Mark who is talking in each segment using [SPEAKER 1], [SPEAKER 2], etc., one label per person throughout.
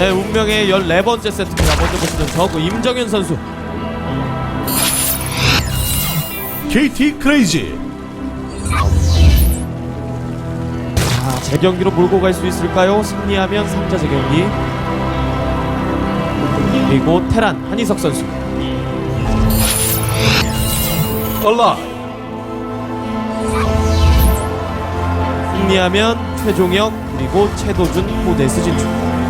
[SPEAKER 1] 네, 운명의 14번째 세트입니다. 먼저 보시는 저그 임정현 선수.
[SPEAKER 2] KT 크레이지.
[SPEAKER 1] 재경기로 몰고 갈 수 있을까요? 승리하면 3자 재경기. 그리고 테란 한희석 선수.
[SPEAKER 2] 얼라이.
[SPEAKER 1] 승리하면 최종혁 그리고 최도준 포데스 진출.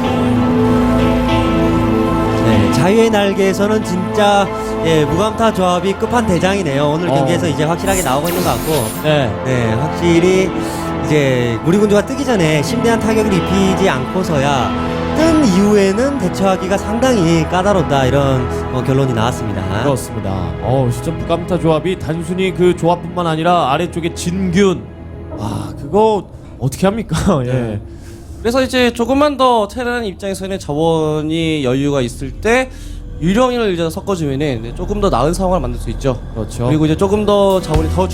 [SPEAKER 3] 네, 자유의 날개에서는 진짜 무감타 조합이 끝판대장이네요. 오늘 경기에서 이제 확실하게 나오고 있는 것 같고,
[SPEAKER 1] 네.
[SPEAKER 3] 확실히 이제 무리군주가 뜨기 전에 심대한 타격을 입히지 않고서야 뜬 이후에는 대처하기가 상당히 까다롭다, 이런 결론이 나왔습니다.
[SPEAKER 1] 그렇습니다. 진짜 무감타 조합이 단순히 그 조합뿐만 아니라 아래쪽에 진균, 와 그거 어떻게 합니까? 예.
[SPEAKER 4] 그래서 이제 조금만 더 테란 입장에서는 자원이 여유가 있을 때 유령을 이제 섞어주면은 조금 더 나은 상황을 만들 수 있죠.
[SPEAKER 1] 그렇죠.
[SPEAKER 4] 그리고 이제 조금 더 자원이 더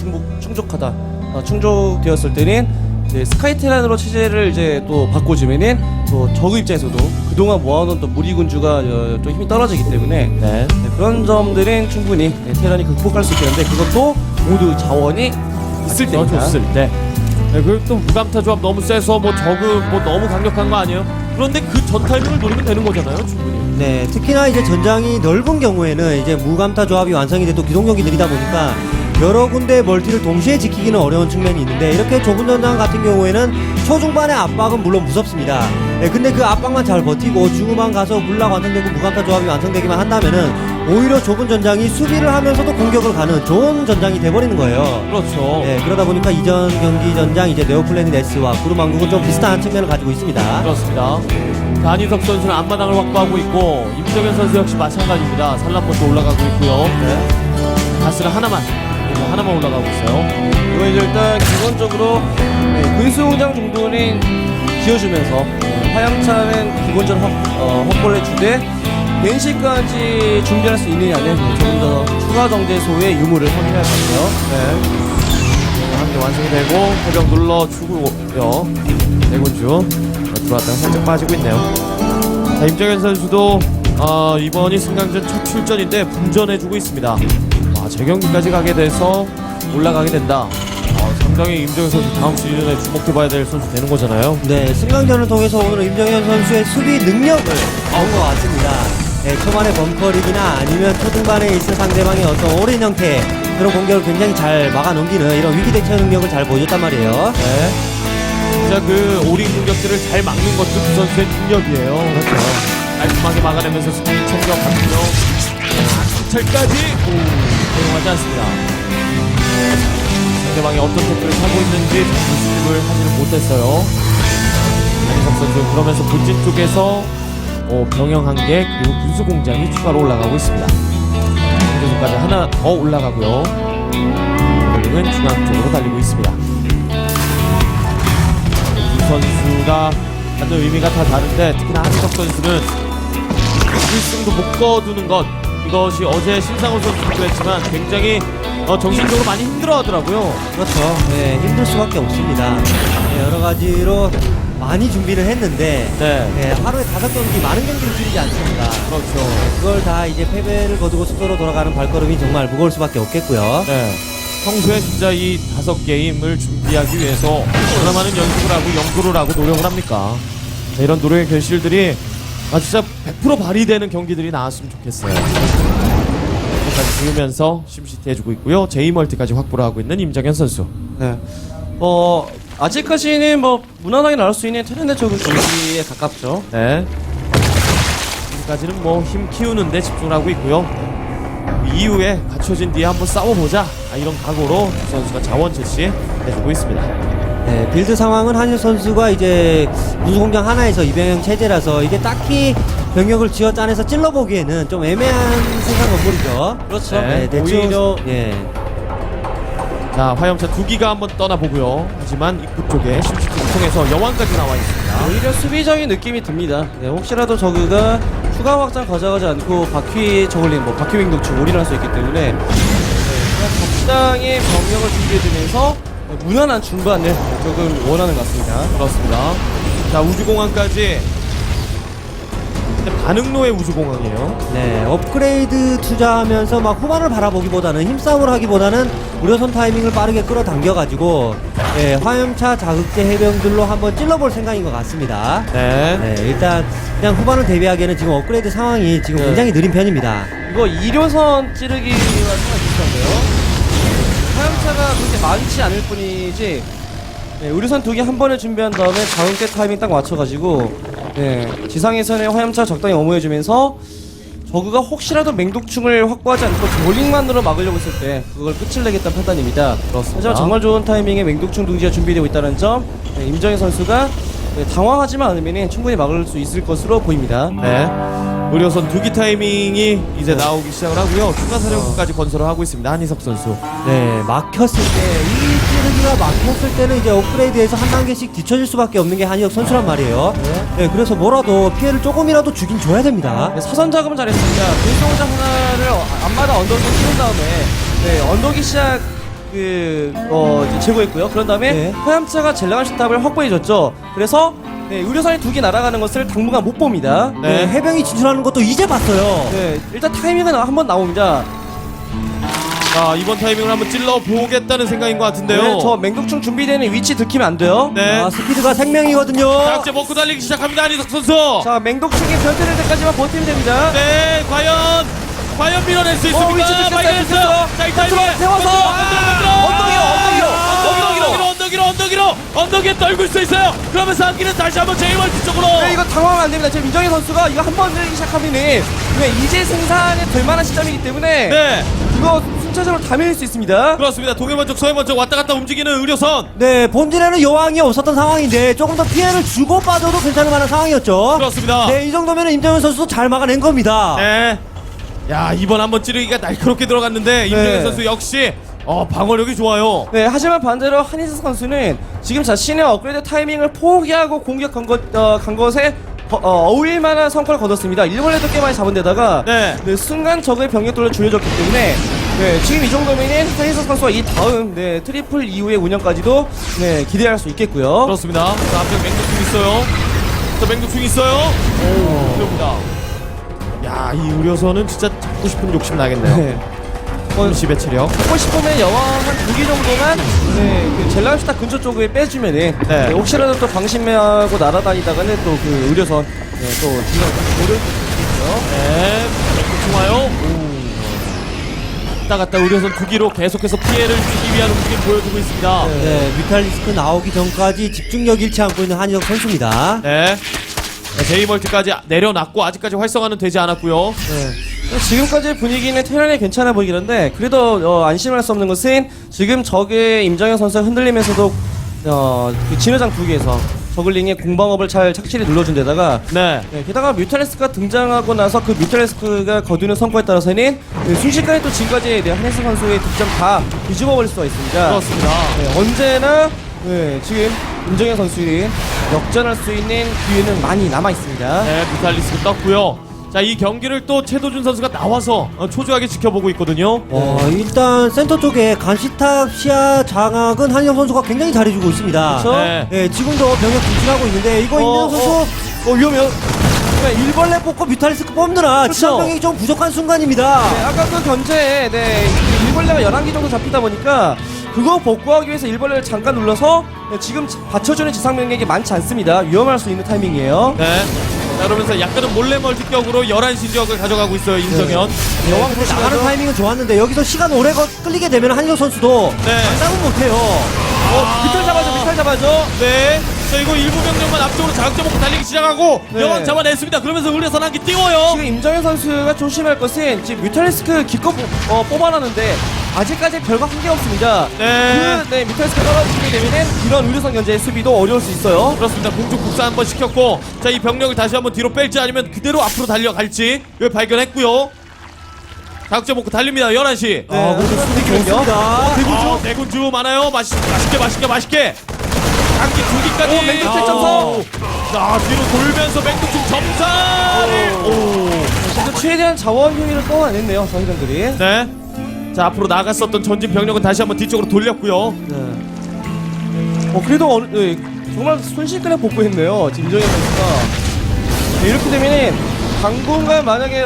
[SPEAKER 4] 충족되었을 때는 이제 스카이 테란으로 체제를 이제 또 바꿔주면은 또 저그 입장에서도 그동안 모아놓은 또 무리군주가 좀 힘이 떨어지기 때문에
[SPEAKER 1] 네.
[SPEAKER 4] 그런 점들은 충분히 테란이 극복할 수 있겠는데, 그것도 모두 자원이 있을
[SPEAKER 1] 더
[SPEAKER 4] 때입니다.
[SPEAKER 1] 줬을 때. 네, 그리고 또 무감타 조합 너무 세서 저그 너무 강력한 거 아니에요? 그런데 그 전 타이밍을 노리면 되는 거잖아요, 충분히.
[SPEAKER 3] 네, 특히나 이제 전장이 넓은 경우에는 이제 무감타 조합이 완성이 돼도 기동력이 느리다 보니까 여러 군데 멀티를 동시에 지키기는 어려운 측면이 있는데, 이렇게 좁은 전장 같은 경우에는 초중반의 압박은 물론 무섭습니다. 네, 근데 그 압박만 잘 버티고 중후반 가서 군락 완성되고 무감타 조합이 완성되기만 한다면은 오히려 좁은 전장이 수비를 하면서도 공격을 가는 좋은 전장이 돼버리는 거예요.
[SPEAKER 1] 그렇죠.
[SPEAKER 3] 네, 그러다 보니까 이전 경기 전장 이제 네오플래닛 S와 구름왕국은 좀 비슷한 측면을 가지고 있습니다.
[SPEAKER 1] 그렇습니다. 자, 한희석 선수는 앞마당을 확보하고 있고 임정현 선수 역시 마찬가지입니다. 산란번도 올라가고 있고요.
[SPEAKER 4] 네.
[SPEAKER 1] 가스는 하나만 올라가고 있어요.
[SPEAKER 4] 이거 이제 일단 기본적으로 군수공장 정도는 지어주면서 화양차는 기본적으로 확보를 해주되 벤시까지 준비할 수 있느냐는 조금 더 추가 정제소의 유무를 확인할 것 같아요.
[SPEAKER 1] 네. 한 개 완성이 되고 해병 눌러주고요. 대군주 들어왔다가 살짝 빠지고 있네요. 자, 임정현 선수도 이번이 승강전 첫 출전인데 분전해주고 있습니다. 재경기까지 가게 돼서 올라가게 된다. 상당히 임정현 선수 다음 시즌에 주목해봐야 될 선수 되는 거잖아요.
[SPEAKER 3] 네, 승강전을 통해서 오늘 임정현 선수의 수비 능력을 본 것 같습니다. 네, 초반에 벙커릭이나 아니면 초중반에 있을 상대방의 어떤 오랜 형태의 그런 공격을 굉장히 잘 막아넘기는 이런 위기 대처 능력을 잘 보여줬단 말이에요.
[SPEAKER 1] 네. 진짜 그 오린 공격들을 잘 막는 것도 그 선수의 능력이에요. 그렇죠. 깔끔하게 막아내면서 승리 챙겨갔고요. 정찰까지 허용하지 않습니다. 상대방이 어떤 태클을 하고 있는지 수습을 하지는 못했어요. 한희석 선수 그러면서 본진 쪽에서 병영 한 개 그리고 군수 공장이 추가로 올라가고 있습니다. 공수까지 하나 더 올라가고요. 볼링은 중앙 쪽으로 달리고 있습니다. 두 선수가 갖는 의미가 다 다른데 특히나 한희석 선수는 1승도 못 거두는 것, 이것이 어제 신상훈 선수도 그랬지만 굉장히 정신적으로 많이 힘들어하더라고요.
[SPEAKER 3] 그렇죠. 네, 힘들 수밖에 없습니다. 네, 여러 가지로 많이 준비를 했는데 네, 하루에 5경기 많은 경기를 치르지 않습니다.
[SPEAKER 1] 그렇죠.
[SPEAKER 3] 그걸 다 이제 패배를 거두고 숙소로 돌아가는 발걸음이 정말 무거울 수밖에 없겠고요.
[SPEAKER 1] 네. 평소에 진짜 이 5게임을 준비하기 위해서 얼마나 많은 연습을 하고 연구를 하고 노력을 합니까? 자, 이런 노력의 결실들이 진짜 100% 발휘되는 경기들이 나왔으면 좋겠어요. 까지 지으면서 심시티 해주고 있고요. 제이멀티까지 확보를 하고 있는 임정현 선수.
[SPEAKER 4] 네. 아직까지는 무난하게 나올 수 있는 테란의 적은 경기에 가깝죠.
[SPEAKER 1] 네. 지금까지는 힘 키우는데 집중을 하고 있고요. 이후에 갖춰진 뒤에 한번 싸워보자, 이런 각오로 두 선수가 자원 제시 해주고 있습니다.
[SPEAKER 3] 네, 빌드 상황은 한일 선수가 이제 군수공장 하나에서 이병영 체제라서 이게 딱히 병력을 지어 짜내서 찔러보기에는 좀 애매한 생산 건물이죠.
[SPEAKER 4] 그렇죠.
[SPEAKER 1] 네,
[SPEAKER 3] 대충
[SPEAKER 1] 오히려
[SPEAKER 3] 예.
[SPEAKER 1] 자, 화염차 2기가 한번 떠나보고요. 하지만 입구 쪽에 심시티를 통해서 여왕까지 나와 있습니다.
[SPEAKER 4] 오히려 수비적인 느낌이 듭니다. 네, 혹시라도 저그가 추가 확장 가져가지 않고 바퀴 저글링, 바퀴 윙독충 올인할 수 있기 때문에 그냥 적당히 병력을 준비해두면서 무난한 중반을 조금 원하는 것 같습니다.
[SPEAKER 1] 그렇습니다. 자, 우주공항까지 근데 반응로의 우주공항이에요.
[SPEAKER 3] 네, 업그레이드 투자하면서 막 후반을 바라보기보다는 힘싸움을 하기보다는 우려선 타이밍을 빠르게 끌어당겨가지고 화염차 자극제 해병들로 한번 찔러볼 생각인 것 같습니다.
[SPEAKER 1] 네.
[SPEAKER 3] 네, 일단 그냥 후반을 대비하기에는 지금 업그레이드 상황이 지금
[SPEAKER 4] 네.
[SPEAKER 3] 굉장히 느린 편입니다.
[SPEAKER 4] 이거 2료선 찌르기와 상당히 비슷한데요. 화염차가 그렇게 많지 않을 뿐이지 우려선 2개 한 번에 준비한 다음에 자운깨 타이밍 딱 맞춰가지고 지상에서는 화염차 적당히 어무해주면서 저그가 혹시라도 맹독충을 확보하지 않고 저글링만으로 막으려고 했을 때 그걸 끝을 내겠다는 판단입니다.
[SPEAKER 1] 그렇습니다.
[SPEAKER 4] 하지만 정말 좋은 타이밍에 맹독충 둥지가 준비되고 있다는 점 임정희 선수가 당황하지만 않으면 충분히 막을 수 있을 것으로 보입니다.
[SPEAKER 1] 네. 의료선 두기 타이밍이 이제 나오기 시작을 하고요. 추가 사령부까지 건설을 하고 있습니다. 한희석 선수.
[SPEAKER 3] 네, 막혔을 때, 이 찌르기가 막혔을 때는 이제 업그레이드에서 한 단계씩 뒤처질 수밖에 없는 게 한희혁 선수란 말이에요. 네, 그래서 뭐라도 피해를 조금이라도 주긴 줘야 됩니다.
[SPEAKER 4] 사선 작업은 잘했습니다. 불소자 하나를 앞마다 언덕에 씌운 다음에 언덕이 시작 이제 제거했고요. 그런 다음에
[SPEAKER 3] 네.
[SPEAKER 4] 화염차가 젤라간 시탑을 확보해줬죠. 그래서 의료선이 2개 날아가는 것을 당분간 못 봅니다.
[SPEAKER 3] 네, 해병이 진출하는 것도 이제 봤어요.
[SPEAKER 4] 일단 타이밍은 한번 나옵니다.
[SPEAKER 1] 자, 이번 타이밍을 한번 찔러 보겠다는 생각인 것 같은데요.
[SPEAKER 4] 저 맹독충 준비되는 위치 들키면 안 돼요.
[SPEAKER 1] 네.
[SPEAKER 3] 아, 스피드가 생명이거든요.
[SPEAKER 1] 자극제 먹고 달리기 시작합니다. 한희석 선수.
[SPEAKER 4] 자, 맹독충이 변태될 때까지만 버티면 됩니다.
[SPEAKER 1] 네, 과연 밀어낼 수 있습니까?
[SPEAKER 4] 위치 들켰어요,
[SPEAKER 1] 발견했어요.
[SPEAKER 4] 들켰어요.
[SPEAKER 1] 자, 이 타이밍에
[SPEAKER 4] 세워서
[SPEAKER 1] 언덕 위에 떨굴 수 있어요. 그러면서 한기는 다시 한번 제이멀티 쪽으로.
[SPEAKER 4] 이거 당황하면 안 됩니다. 지금 민정희 선수가 이거 한 번 들기 시작하면은 이제 생산이 될 만한 시점이기 때문에
[SPEAKER 1] 네,
[SPEAKER 4] 이거 순차적으로 다 밀릴 수 있습니다.
[SPEAKER 1] 그렇습니다. 동해먼쪽 서해먼쪽 왔다 갔다 움직이는 의료선.
[SPEAKER 3] 네, 본진에는 여왕이 없었던 상황인데 조금 더 피해를 주고 빠져도 괜찮을 만한 상황이었죠.
[SPEAKER 1] 그렇습니다.
[SPEAKER 3] 네, 이 정도면 임정현 선수도 잘 막아낸 겁니다.
[SPEAKER 1] 네. 야, 이번 한번 찌르기가 날카롭게 들어갔는데 임정현 선수 역시 방어력이 좋아요.
[SPEAKER 4] 네, 하지만 반대로 한희석 선수는 지금 자신의 업그레이드 타이밍을 포기하고 공격한 간 것에 어울릴 만한 성과를 거뒀습니다. 일벌레도 꽤 많이 잡은 데다가
[SPEAKER 1] 네.
[SPEAKER 4] 순간 적의 병력들로 줄여졌기 때문에 지금 이 정도면은 한희석 선수가 이 다음 트리플 이후의 운영까지도 기대할 수 있겠고요.
[SPEAKER 1] 그렇습니다. 자, 앞에 맹독충 있어요. 저 맹독충 있어요. 오, 그럽니다. 야, 이 의료선은 진짜 잡고 싶은 욕심 나겠네요.
[SPEAKER 4] 네.
[SPEAKER 1] 10의 체력.
[SPEAKER 4] 하고 싶으면 여왕 한 2개 정도만 그 젤라스타 근처 쪽에 빼주면은 혹시라도 또 방심하고 날아다니다가는 또 그 의료선 또 뒤가 모를 수 있고요.
[SPEAKER 1] 네, 맹독충 와요. 왔다 갔다 의료선 두 기로 계속해서 피해를 주기 위한 움직임 보여주고 있습니다.
[SPEAKER 3] 네, 뮤탈리스크 나오기 전까지 집중력 잃지 않고 있는 한희석 선수입니다.
[SPEAKER 1] 네. 제이멀티까지 내려놨고 아직까지 활성화는 되지 않았고요.
[SPEAKER 4] 지금까지의 분위기는 테란이 괜찮아 보이긴 한데 그래도 안심할 수 없는 것은 지금 적의 임정현 선수가 흔들리면서도 그 진화장 2개에서 저글링의 공방업을 잘 착실히 눌러준 데다가
[SPEAKER 1] 네.
[SPEAKER 4] 게다가 뮤탈리스크가 등장하고 나서 그 뮤탈리스크가 거두는 성과에 따라서는 순식간에 또 지금까지 한혜승 선수의 득점 다 뒤집어 버릴 수가 있습니다.
[SPEAKER 1] 그렇습니다.
[SPEAKER 4] 언제나 지금 임정현 선수들이 역전할 수 있는 기회는 많이 남아 있습니다.
[SPEAKER 1] 네, 뮤탈리스크 떴고요. 자, 이 경기를 또 최도준 선수가 나와서 초조하게 지켜보고 있거든요.
[SPEAKER 3] 일단 센터 쪽에 간시탑 시야 장악은 한희석 선수가 굉장히 잘해주고 있습니다.
[SPEAKER 4] 그렇죠?
[SPEAKER 1] 네.
[SPEAKER 3] 네, 지금도 병력 분출하고 있는데 이거 임정현 선수
[SPEAKER 4] 위험해요.
[SPEAKER 3] 일벌레 뽑고 뮤탈리스크 뽑느라
[SPEAKER 4] 그렇죠.
[SPEAKER 3] 지상 병력이 좀 부족한 순간입니다.
[SPEAKER 4] 아까 그 견제에 일벌레가 11개 정도 잡히다 보니까 그거 복구하기 위해서 일벌레를 잠깐 눌러서 지금 받쳐주는 지상 병력이 많지 않습니다. 위험할 수 있는 타이밍이에요.
[SPEAKER 1] 네. 자, 그러면서 약간은 몰래 멀티격으로 11시 지역을 가져가고 있어요, 임정현.
[SPEAKER 3] 여왕 나가는 타이밍은 좋았는데 여기서 시간 오래 끌리게 되면 한희석 선수도
[SPEAKER 1] 네.
[SPEAKER 3] 장담은 못해요.
[SPEAKER 4] 미탈 잡아줘.
[SPEAKER 1] 네. 자, 이거 일부 병력만 앞쪽으로 자극제 먹고 달리기 시작하고 여왕 잡아냈습니다. 그러면서 의료선 한기 띄워요.
[SPEAKER 4] 지금 임정현 선수가 조심할 것은 지금 뮤탈리스크 기껏 뽑아놨는데 아직까지 별거 한 게 없습니다.
[SPEAKER 1] 네.
[SPEAKER 4] 뮤탈리스크 떨어지게 되면은 이런 의료선 견제의 수비도 어려울 수 있어요.
[SPEAKER 1] 그렇습니다. 공중 국사 한번 시켰고, 자, 이 병력을 다시 한번 뒤로 뺄지 아니면 그대로 앞으로 달려갈지 이걸 발견했고요. 자극제 먹고 달립니다. 11시.
[SPEAKER 3] 그래도 수비 좋습니다.
[SPEAKER 1] 대군주 많아요. 맛있게. 한기 두 기까지.
[SPEAKER 4] 맹독충 점사.
[SPEAKER 1] 자, 뒤로 돌면서 맹독충 점사를.
[SPEAKER 4] 그래서 최대한 자원 효율을 뽑아냈네요, 저희들이.
[SPEAKER 1] 네. 자, 앞으로 나갔었던 전진 병력은 다시 한번 뒤쪽으로 돌렸고요.
[SPEAKER 4] 그래도 정말 순식간에 복구했네요, 임정현 선수가. 이렇게 되면은 당분간 만약에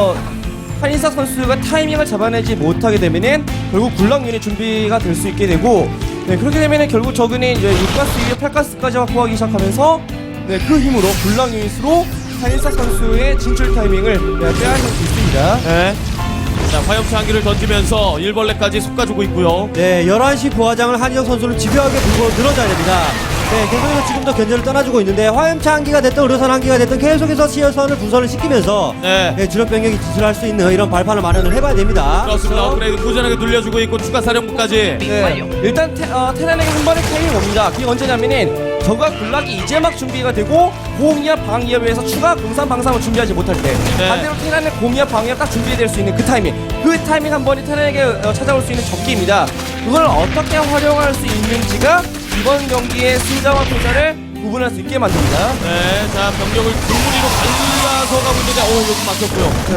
[SPEAKER 4] 한인사 선수가 타이밍을 잡아내지 못하게 되면은 결국 굴락 유닛 준비가 될 수 있게 되고, 네, 그렇게 되면은 결국 저그는 이제 6가스 이후 8가스까지 확보하기 시작하면서, 네, 그 힘으로 굴락 유닛으로 한인사 선수의 진출 타이밍을 빼앗을 수 있습니다.
[SPEAKER 1] 네. 자, 화염차 한 기를 던지면서 일벌레까지 솎아주고 있고요.
[SPEAKER 3] 네, 11시 부하장을 한희정 선수를 집요하게 불고 늘어져야 됩니다. 네, 계속해서 지금도 견제를 떠나주고 있는데 화염차 한기가 됐든 의료선 한기가 됐든 계속해서 시열선을 분선을 시키면서
[SPEAKER 1] 네.
[SPEAKER 3] 주력 병력이 진출할 수 있는 이런 발판을 마련을 해봐야 됩니다.
[SPEAKER 1] 그렇습니다. 업그레이드 꾸준하게 눌려주고 있고 추가 사령부까지.
[SPEAKER 4] 네, 일단 테란에게 한 번의 타이밍이 옵니다. 그게 언제냐면은 저가 굴락이 이제 막 준비가 되고 공이압 방이압에 의해서 추가 공산 방상을 준비하지 못할 때,
[SPEAKER 1] 네.
[SPEAKER 4] 반대로 테란의 공이압 방이압 딱 준비될 수 있는 그 타이밍 한 번이 테란에게 찾아올 수 있는 적기입니다. 그걸 어떻게 활용할 수 있는지가 이번 경기의 승자와 패자를 구분할 수 있게 만듭니다.
[SPEAKER 1] 네. 자, 병력을 두무리로 갈라서 가고 있는데, 여기 막혔고요.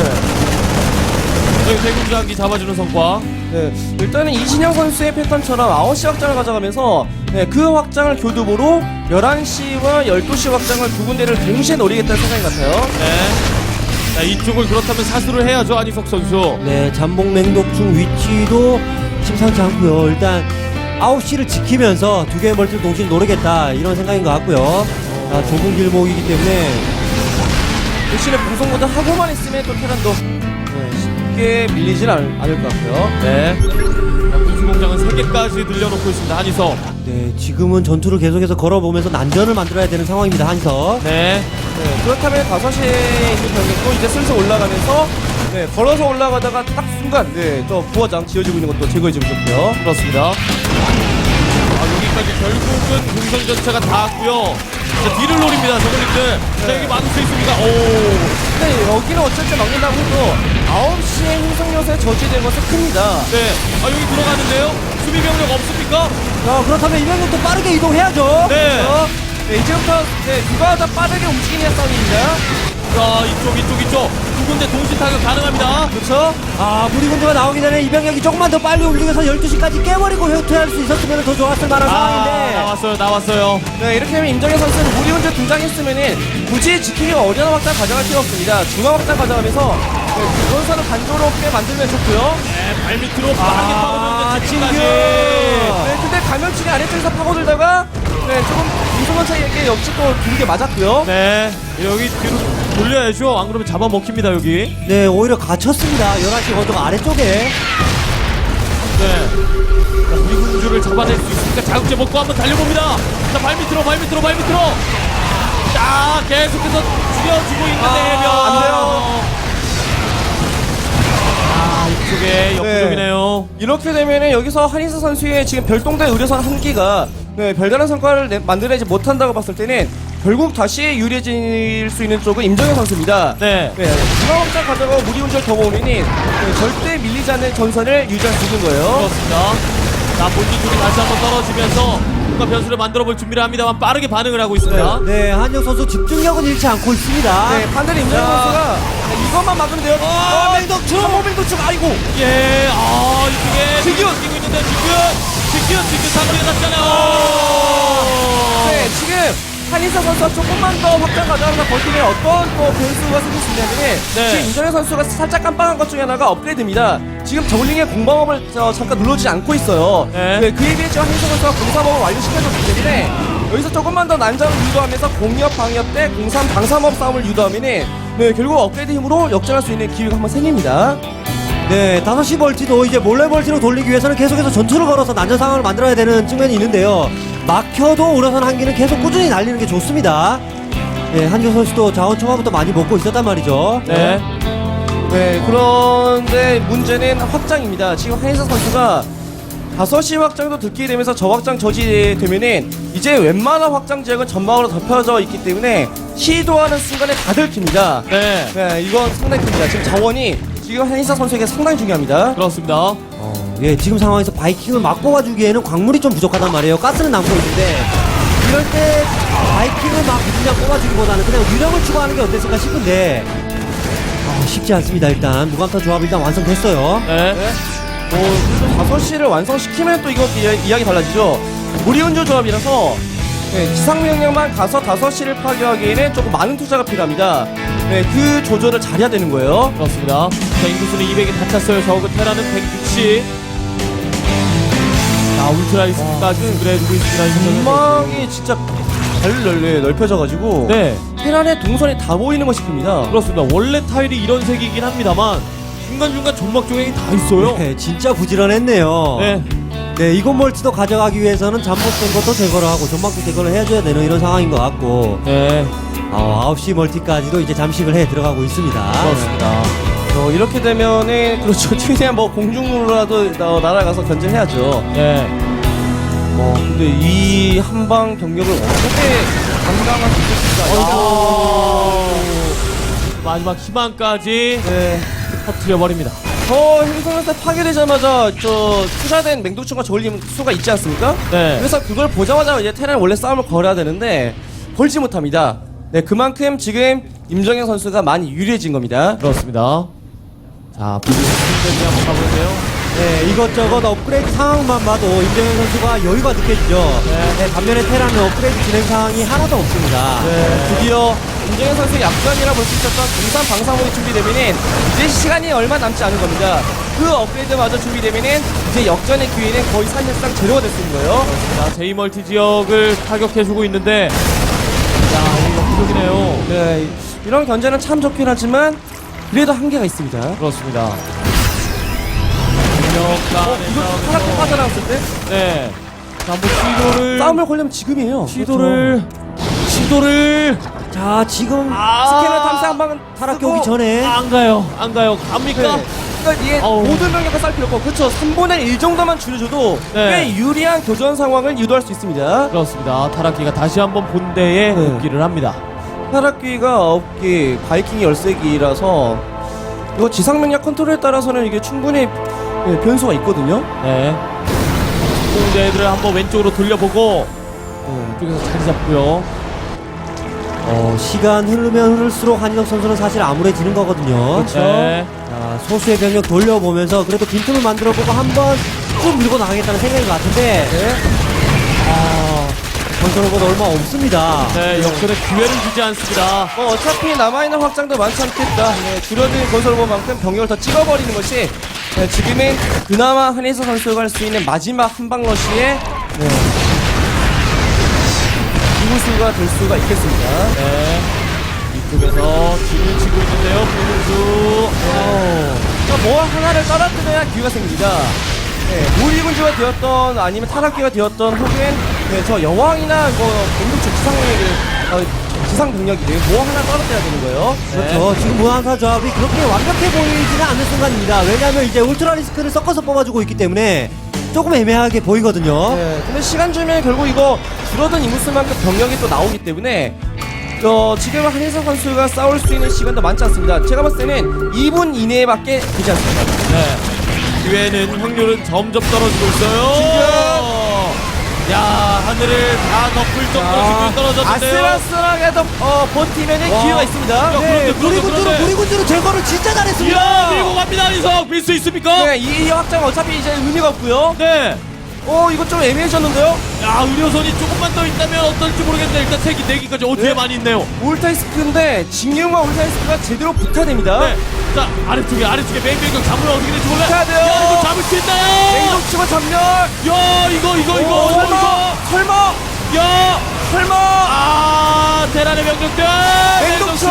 [SPEAKER 4] 네.
[SPEAKER 1] 여기 대군주 한기 잡아주는 성과.
[SPEAKER 4] 네, 일단은 이신영 선수의 패턴처럼 9시 확장을 가져가면서, 네, 그 확장을 교두보로 11시와 12시 확장을 두 군데를 동시에 노리겠다는 생각이 같아요.
[SPEAKER 1] 네. 자, 이쪽을 그렇다면 사수를 해야죠, 안희석 선수.
[SPEAKER 3] 네, 잠복 맹독충 위치도 심상치 않고요. 일단 9시를 지키면서 두 개의 멀티를 동시에 노리겠다 이런 생각인 것 같고요. 좁은 길목이기 때문에
[SPEAKER 4] 대신에 방송보다 하고만 있으면 또 테란도, 네, 쉽게 밀리진 않을 것 같고요.
[SPEAKER 1] 네. 자, 군수공장은 3개까지 늘려놓고 있습니다, 한희석.
[SPEAKER 3] 네, 지금은 전투를 계속해서 걸어보면서 난전을 만들어야 되는 상황입니다, 한석.
[SPEAKER 4] 네, 그렇다면 5시에 있는 병력도 이제 슬슬 올라가면서, 네, 걸어서 올라가다가 딱 순간, 네, 저 부화장 지어지고 있는 것도 제거해주면 좋고요.
[SPEAKER 1] 그렇습니다. 여기까지 결국은 공성 전차가 닿았고요. 자, 뒤를 노립니다, 저글링들. 자, 여기 막을 수 있습니다.
[SPEAKER 4] 근데 여기는 어쨌든 막는다고 해도 9시에 행성 요새 저지된 것은 큽니다.
[SPEAKER 1] 네. 여기 들어가는데요? 수비 병력 없습니까?
[SPEAKER 3] 그렇다면 이 병력도 빠르게 이동해야죠.
[SPEAKER 1] 네.
[SPEAKER 4] 네, 이제부터, 네, 누가 더 빠르게 움직이냐 싸움입니다.
[SPEAKER 1] 자, 이쪽. 두 군데 동시 타격 가능합니다.
[SPEAKER 4] 그렇죠?
[SPEAKER 3] 무리군주가 나오기 전에 이 병력이 조금만 더 빨리 움직여서 12시까지 깨버리고 회퇴할 수 있었으면 더 좋았을 만한 상황인데.
[SPEAKER 1] 나왔어요.
[SPEAKER 4] 네, 이렇게 하면 임정현 선수는 무리 혼자 등장했으면은 굳이 지키기가 어려운 확장 가져갈 필요 없습니다. 중앙 확장 가져가면서, 네, 그건선을 단조롭게 만들면 좋고요.
[SPEAKER 1] 네, 발밑으로 빠르게 파고드는데
[SPEAKER 3] 진규.
[SPEAKER 4] 네, 근데 감염증이 아래쪽에서 파고들다가, 네, 조금 이승원 차이에게 역시 또 두개 맞았고요.
[SPEAKER 1] 네. 여기 뒤로 돌려야죠. 안 그러면 잡아먹힙니다, 여기.
[SPEAKER 3] 네, 오히려 갇혔습니다. 11시 언덕 아래쪽에.
[SPEAKER 1] 네. 자, 우리 군주를 잡아낼 수 있으니까 자극제 먹고 한번 달려봅니다. 자, 발밑으로. 자, 계속해서 죽여주고 있는데 해변.
[SPEAKER 4] 안 돼요.
[SPEAKER 1] 이쪽에 역부족이네요.
[SPEAKER 4] 이렇게 되면은 여기서 한인사 선수의 지금 별동대 의료선 한 기가, 네, 별다른 성과를 만들어내지 못한다고 봤을 때는 결국 다시 유리해질 수 있는 쪽은 임정현 선수입니다.
[SPEAKER 1] 네.
[SPEAKER 4] 중앙 확장 가져가고 무리 운전 더 모으면은, 네, 절대 밀리지 않는 전선을 유지할 수 있는 거예요.
[SPEAKER 1] 그렇습니다. 자, 본진 쪽이 다시 한번 떨어지면서 뭔가 변수를 만들어볼 준비를 합니다만 빠르게 반응을 하고 있습니다.
[SPEAKER 3] 네, 한영 선수 집중력은 잃지 않고 있습니다.
[SPEAKER 4] 네, 반대로 임정현 선수가, 네, 이것만 막으면 돼요. 맹독충! 맹독충! 아이고!
[SPEAKER 1] 예, 이쪽에
[SPEAKER 4] 직균!
[SPEAKER 1] 뛰고 있는데 직균 상대가 났잖아요.
[SPEAKER 4] 네, 지금 한인사 선수가 조금만 더 확장 가져가면서 버티면 어떤 또 변수가 생길 수 있냐면은,
[SPEAKER 1] 네.
[SPEAKER 4] 지금 임정현 선수가 살짝 깜빡한 것 중에 하나가 업그레이드입니다. 지금 저글링의 공방업을 잠깐 눌러주지 않고 있어요.
[SPEAKER 1] 네.
[SPEAKER 4] 그에 비해 지금 한인사 선수가 공사업을 완료시켜줬기 때문에 여기서 조금만 더 난장을 유도하면서 공이업 방이업 때 공산 방삼업 싸움을 유도하면은, 네, 결국 업그레이드 힘으로 역전할 수 있는 기회가 한번 생깁니다.
[SPEAKER 3] 네, 5시 멀티도 이제 몰래 멀티로 돌리기 위해서는 계속해서 전투를 걸어서 난전 상황을 만들어야 되는 측면이 있는데요. 막혀도 우려선 한기는 계속 꾸준히 날리는 게 좋습니다. 네, 한규 선수도 자원 초반부터 많이 먹고 있었단 말이죠.
[SPEAKER 1] 네.
[SPEAKER 4] 네, 그런데 문제는 확장입니다. 지금 한인사 선수가 5시 확장도 듣게 되면서 저 확장 저지되면은 이제 웬만한 확장 지역은 전방으로 덮여져 있기 때문에 시도하는 순간에 다 들킵니다.
[SPEAKER 1] 네.
[SPEAKER 4] 네, 이건 상당히 큽니다. 지금 자원이 지금 한인사 선수에게 상당히 중요합니다.
[SPEAKER 1] 그렇습니다.
[SPEAKER 3] 예, 지금 상황에서 바이킹을 막 뽑아주기에는 광물이 좀 부족하단 말이에요. 가스는 남고 있는데 이럴 때 바이킹을 막 그냥 뽑아주기보다는 그냥 유령을 추가하는 게 어땠을까 싶은데 쉽지 않습니다. 일단 무감타 조합 일단 완성됐어요.
[SPEAKER 1] 네.
[SPEAKER 4] 5시를 완성시키면 또 이거 이야기 달라지죠. 무리운조 조합이라서 네, 기상명령만 가서 5시를 파괴하기에는 조금 많은 투자가 필요합니다. 네, 그 조절을 잘해야 되는 거예요.
[SPEAKER 1] 그렇습니다. 자, 인구수는 200이 다 찼어요. 저그 테라는 160. 자, 울트라리스까지 그래두고 있습니다.
[SPEAKER 4] 전망이 진짜 잘 넓혀져가지고
[SPEAKER 1] 네,
[SPEAKER 4] 테란의 동선이 다 보이는 것이 큽니다.
[SPEAKER 1] 그렇습니다. 원래 타일이 이런 색이긴 합니다만 중간중간 점막 조각이 다 있어요.
[SPEAKER 3] 네, 진짜 부지런했네요.
[SPEAKER 1] 네,
[SPEAKER 3] 네, 이곳 멀티도 가져가기 위해서는 잠복된 것도 제거를 하고 전막도 제거를 해줘야 되는 이런 상황인 것 같고
[SPEAKER 1] 네,
[SPEAKER 3] 9시 멀티까지도 이제 잠식을 해 들어가고 있습니다.
[SPEAKER 1] 그렇습니다.
[SPEAKER 4] 이렇게 되면은 그렇죠. 최대한 뭐 공중으로라도 날아가서 견제해야죠.
[SPEAKER 1] 네,
[SPEAKER 4] 근데 이 한방 병력을 어떻게 감당할 수 있을까?
[SPEAKER 1] 마지막 희망까지
[SPEAKER 4] 네.
[SPEAKER 1] 터뜨려 버립니다.
[SPEAKER 4] 행성에서 파괴되자마자 투자된 맹독충과 저울림 수가 있지 않습니까?
[SPEAKER 1] 네,
[SPEAKER 4] 그래서 그걸 보자마자 이제 테란 원래 싸움을 걸어야 되는데 걸지 못합니다. 네, 그만큼 지금 임정현 선수가 많이 유리해진 겁니다.
[SPEAKER 1] 그렇습니다. 자, 부지런히 한번 가보세요.
[SPEAKER 3] 네, 이것저것 업그레이드 상황만 봐도 임정현 선수가 여유가 느껴지죠. 네, 반면에 테라는 업그레이드 진행 상황이 하나도 없습니다.
[SPEAKER 4] 네, 드디어 임정현 선수의 약간이라 볼 수 있었던 공산 방사목이 준비되면은 이제 시간이 얼마 남지 않은 겁니다. 그 업그레이드마저 준비되면은 이제 역전의 기회는 거의 사실상 제로가 될 수 있는 거예요.
[SPEAKER 1] 자, 제이멀티 지역을 타격해주고 있는데, 자, 이거 부족이네요.
[SPEAKER 4] 네, 이런 견제는 참 좋긴 하지만 그래도 한계가 있습니다.
[SPEAKER 1] 그렇습니다.
[SPEAKER 4] 이거 하나 빠져나왔을 때
[SPEAKER 1] 네. 자, 한번 시도를.
[SPEAKER 4] 싸움을 걸려면 지금이에요.
[SPEAKER 1] 시도를.
[SPEAKER 3] 자, 지금
[SPEAKER 4] 스캐너 탐사 한 방은
[SPEAKER 3] 타락기 오기 전에
[SPEAKER 1] 안 가요. 갑니까?
[SPEAKER 4] 네. 그러니까 이게
[SPEAKER 1] 어우.
[SPEAKER 4] 모든 병력을 쌀 필요 없고 그렇죠. 3분의 1 정도만 줄여줘도
[SPEAKER 1] 네.
[SPEAKER 4] 꽤 유리한 교전 상황을 유도할 수 있습니다.
[SPEAKER 1] 그렇습니다. 타락기가 다시 한번 본대에
[SPEAKER 4] 네.
[SPEAKER 1] 복귀를 합니다.
[SPEAKER 4] 타락기가 9기, 바이킹이 13기라서 이거 지상명령 컨트롤에 따라서는 이게 충분히 변수가 있거든요.
[SPEAKER 1] 네. 공대들을 한번 왼쪽으로 돌려보고, 이쪽에서 자리 잡고요.
[SPEAKER 3] 시간 흐르면 흐를수록 한인혁 선수는 사실 암울해지는 거거든요.
[SPEAKER 4] 그렇죠.
[SPEAKER 1] 네.
[SPEAKER 3] 자, 소수의 병력 돌려보면서 그래도 빈틈을 만들어보고 한번 쭉 밀고 나가겠다는 생각인 것 같은데
[SPEAKER 4] 네.
[SPEAKER 3] 건설로보다 얼마 없습니다.
[SPEAKER 1] 네, 역전의 기회를 주지 않습니다.
[SPEAKER 4] 어차피 남아있는 확장도 많지 않겠다. 네, 줄어든 건설로만큼 병력을 더 찍어버리는 것이 지금은 그나마 한혜서 선수가 할 수 있는 마지막 한방 러시의 이무수가 될 수가 있겠습니다.
[SPEAKER 1] 네. 이쪽에서 진을 치고 있는데요, 김은수.
[SPEAKER 4] 그러니까 뭐 하나를 떨어뜨려야 기회가 생깁니다. 네, 무리군주가 되었던 아니면 타락기가 되었던 혹은 저 여왕이나 공격적 지상 병력이든 뭐 하나 떨어뜨려야 되는 거예요.
[SPEAKER 3] 그렇죠. 지금 무한사 조합이 그렇게 완벽해 보이지는 않는 순간입니다. 왜냐하면 이제 울트라 리스크를 섞어서 뽑아주고 있기 때문에 조금 애매하게 보이거든요.
[SPEAKER 4] 네, 근데 시간 주면 결국 이거 줄어든 인구수만큼 병력이 또 나오기 때문에 지금 한혜성 선수가 싸울 수 있는 시간도 많지 않습니다. 제가 봤을 때는 2분 이내밖에 되지 않습니다.
[SPEAKER 1] 네. 기회는 확률은 점점 떨어지고 있어요. 야, 하늘을 다 덮을 정도로 지금 떨어졌는데요.
[SPEAKER 4] 아슬아슬하게도 버티면 기회가 있습니다.
[SPEAKER 1] 그런데, 그런데.
[SPEAKER 3] 무리군주로 제거를 진짜
[SPEAKER 1] 이야,
[SPEAKER 3] 잘했습니다.
[SPEAKER 1] 밀고 갑니다, 이석. 밀 수 있습니까?
[SPEAKER 4] 네, 이 확장 어차피 이제 의미가 없고요.
[SPEAKER 1] 네.
[SPEAKER 4] 이거 좀 애매해졌는데요.
[SPEAKER 1] 야, 의료선이 조금만 더 있다면 어떨지 모르겠는데 일단 3기, 4기까지 뒤에
[SPEAKER 4] 네.
[SPEAKER 1] 많이 있네요.
[SPEAKER 4] 울타이스크인데 직영과 울타이스크가 제대로 붙어야 됩니다.
[SPEAKER 1] 네. 자, 아래쪽에 맹병경 잡으면 어떻게 될지 몰라.
[SPEAKER 4] 붙어야 돼요.
[SPEAKER 1] 야, 이거 잡을 수 있나요?
[SPEAKER 4] 맹독치고 전멸.
[SPEAKER 1] 야, 이거.
[SPEAKER 4] 설마.
[SPEAKER 1] 야,
[SPEAKER 4] 설마.
[SPEAKER 1] 테란의 병력들.
[SPEAKER 4] 맹독초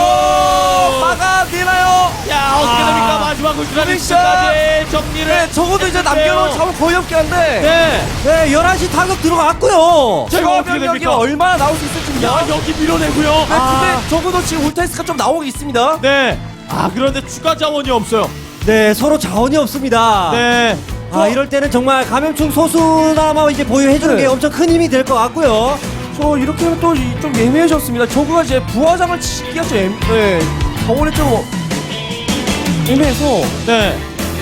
[SPEAKER 4] 막아내나요?
[SPEAKER 1] 야, 어떻게 됩니까? 마지막 울트라리스까지 정리를.
[SPEAKER 4] 네, 적어도 이제 남겨놓은 자원 거의 없긴 한데.
[SPEAKER 1] 네.
[SPEAKER 3] 네, 11시 타격 들어갔고요.
[SPEAKER 1] 자, 이거
[SPEAKER 4] 제거
[SPEAKER 1] 어떻게
[SPEAKER 4] 병력이
[SPEAKER 1] 됩니까?
[SPEAKER 4] 얼마나 나올 수 있을지입니다.
[SPEAKER 1] 야, 여기 밀어내고요.
[SPEAKER 4] 네, 근데 적어도 지금 울타이스가 좀 나오고 있습니다.
[SPEAKER 1] 네. 그런데 추가 자원이 없어요.
[SPEAKER 3] 네, 서로 자원이 없습니다.
[SPEAKER 1] 네.
[SPEAKER 3] 이럴 때는 정말 감염충 소수나마 이제 보유해주는
[SPEAKER 4] 네.
[SPEAKER 3] 게 엄청 큰 힘이 될 것 같고요.
[SPEAKER 4] 저 이렇게 하면 또 좀 애매해졌습니다. 저거가 이제 부화장을 치기가 좀 자원이 좀 애매해서
[SPEAKER 1] 네.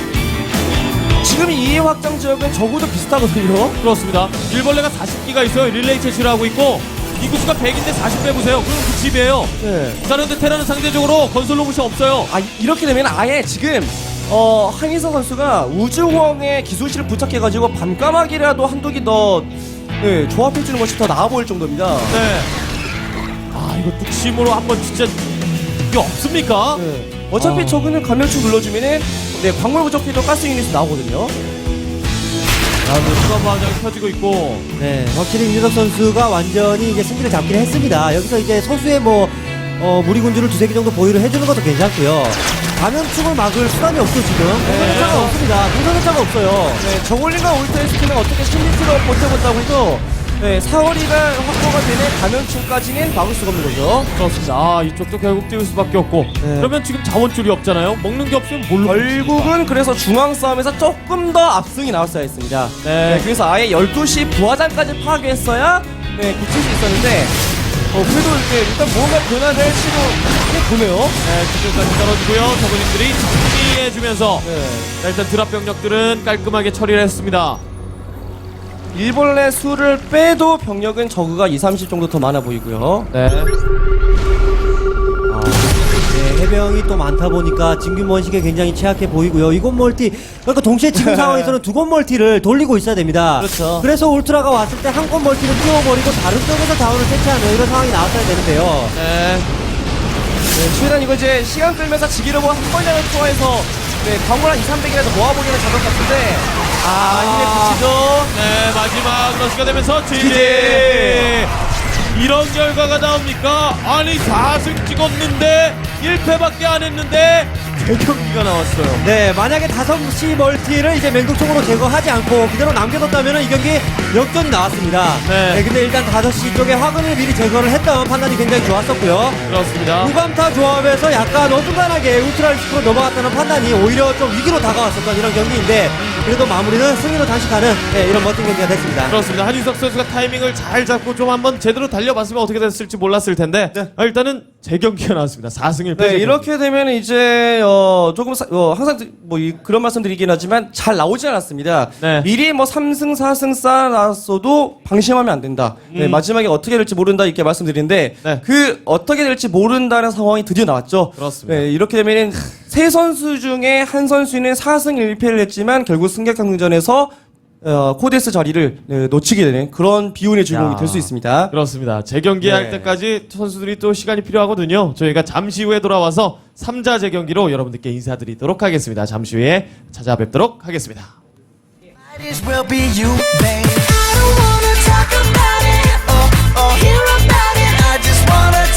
[SPEAKER 4] 지금 이 확장 지역은 적어도 비슷하거든요.
[SPEAKER 1] 그렇습니다. 일벌레가 40기가 있어요. 릴레이 채취를 하고 있고 인구수가 100인데 40 빼보세요. 그럼 그 집이에요.
[SPEAKER 4] 네.
[SPEAKER 1] 자, 그런데 테라는 상대적으로 건설 로봇이 없어요.
[SPEAKER 4] 이렇게 되면 아예 지금 한희석 선수가 우주호응의 기술실을 부착해가지고 밤까마귀라도 한두 개 더 네, 조합해주는 것이 더 나아 보일 정도입니다.
[SPEAKER 1] 네. 아, 이거 뚝심으로 한번 진짜 이게 없습니까?
[SPEAKER 4] 네. 어차피 저거는 감염충 눌러주면은 네, 광물 부족해도 가스 유닛이 나오거든요.
[SPEAKER 1] 아, 수가 과정이 펴지고 있고.
[SPEAKER 3] 네, 확실히 윤유석 선수가 완전히 이제 승기를 잡긴 했습니다. 여기서 이제 소수의 무리군주를 두세 개 정도 보유를 해주는 것도 괜찮고요. 감염충을 막을 수단이 없어 지금. 동선차가 없습니다. 동선차가 없어요.
[SPEAKER 4] 네, 저글링과 울트라스키는 어떻게 심리트로 버텨본다고 해도 네, 사거리가 확보가 되는 감염충까지는 막을 수가 없는 거죠.
[SPEAKER 1] 그렇습니다. 아, 이쪽도 결국 띄울 수밖에 없고. 그러면 지금 자원줄이 없잖아요. 먹는 게 없으면 뭘로?
[SPEAKER 4] 결국은 그래서 중앙 싸움에서 조금 더 압승이 나왔어야 했습니다.
[SPEAKER 1] 네.
[SPEAKER 4] 그래서 아예 12시 부하장까지 파괴했어야 네, 굳힐 수 있었는데 그래도 이제 일단 뭔가 변화를 시도해보네요.
[SPEAKER 1] 네, 기술까지 떨어지고요. 저분들이 정리해주면서
[SPEAKER 4] 네.
[SPEAKER 1] 자, 일단 드랍 병력들은 깔끔하게 처리를 했습니다.
[SPEAKER 4] 일벌레 수를 빼도 병력은 저그가 2, 30 정도 더 많아 보이고요.
[SPEAKER 1] 네.
[SPEAKER 3] 네, 해병이 또 많다 보니까 진균 번식에 굉장히 취약해 보이고요. 이곳 멀티, 그러니까 동시에 지금 상황에서는 두 곳 멀티를 돌리고 있어야 됩니다.
[SPEAKER 4] 그렇죠.
[SPEAKER 3] 그래서 울트라가 왔을 때 한 곳 멀티를 띄워버리고 다른 쪽에서 자원을 채취하는 이런 상황이 나왔어야 되는데요.
[SPEAKER 1] 네.
[SPEAKER 4] 네, 최대한 이거 이제 시간 끌면서 지기려고 한 번이라도 투하해서 네, 광물 한 2, 300이라도 모아보기는 작업 같은데 힘에 붙이죠.
[SPEAKER 1] 네, 마지막 러시가 되면서 GG. 이런 결과가 나옵니까? 아니 4승 찍었는데 1패밖에 안 했는데 대경기가 나왔어요.
[SPEAKER 3] 네, 만약에 5시 멀티를 이제 맹독총으로 제거하지 않고 그대로 남겨뒀다면 이 경기 역전이 나왔습니다.
[SPEAKER 1] 네.
[SPEAKER 3] 근데 일단 5시 쪽에 화근을 미리 제거를 했던 판단이 굉장히 좋았었고요.
[SPEAKER 1] 그렇습니다.
[SPEAKER 3] 무감타 조합에서 약간 어중간하게 울트라리스크로 넘어갔다는 판단이 오히려 좀 위기로 다가왔었던 이런 경기인데 그래도 마무리는 승리로 장식하는 네, 이런 멋진 경기가 됐습니다.
[SPEAKER 1] 그렇습니다. 한윤석 선수가 타이밍을 잘 잡고 좀 한번 제대로 달려봤으면 어떻게 됐을지 몰랐을 텐데 일단은 재경기가 나왔습니다. 4승 1패.
[SPEAKER 4] 네, 이렇게 되면 이제 조금 항상 그런 말씀드리긴 하지만 잘 나오지 않았습니다.
[SPEAKER 1] 네.
[SPEAKER 4] 미리 3승 4승 쌓아놨어도 방심하면 안 된다. 네, 마지막에 어떻게 될지 모른다 이렇게 말씀드리는데
[SPEAKER 1] 네.
[SPEAKER 4] 그 어떻게 될지 모른다는 상황이 드디어 나왔죠.
[SPEAKER 1] 그렇습니다.
[SPEAKER 4] 네, 이렇게 되면은 세 선수 중에 한 선수는 4승 1패를 했지만 결국 승격강전에서 코데스 자리를 놓치게 되는 그런 비운의 주인공이
[SPEAKER 1] 야.
[SPEAKER 4] 될 수 있습니다.
[SPEAKER 1] 그렇습니다. 재경기 할
[SPEAKER 4] 네.
[SPEAKER 1] 때까지 선수들이 또 시간이 필요하거든요. 저희가 잠시 후에 돌아와서 3자 재경기로 여러분들께 인사드리도록 하겠습니다. 잠시 후에 찾아뵙도록 하겠습니다.
[SPEAKER 5] Might as well be you, babe. I don't wanna talk about it or hear about it. I just wanna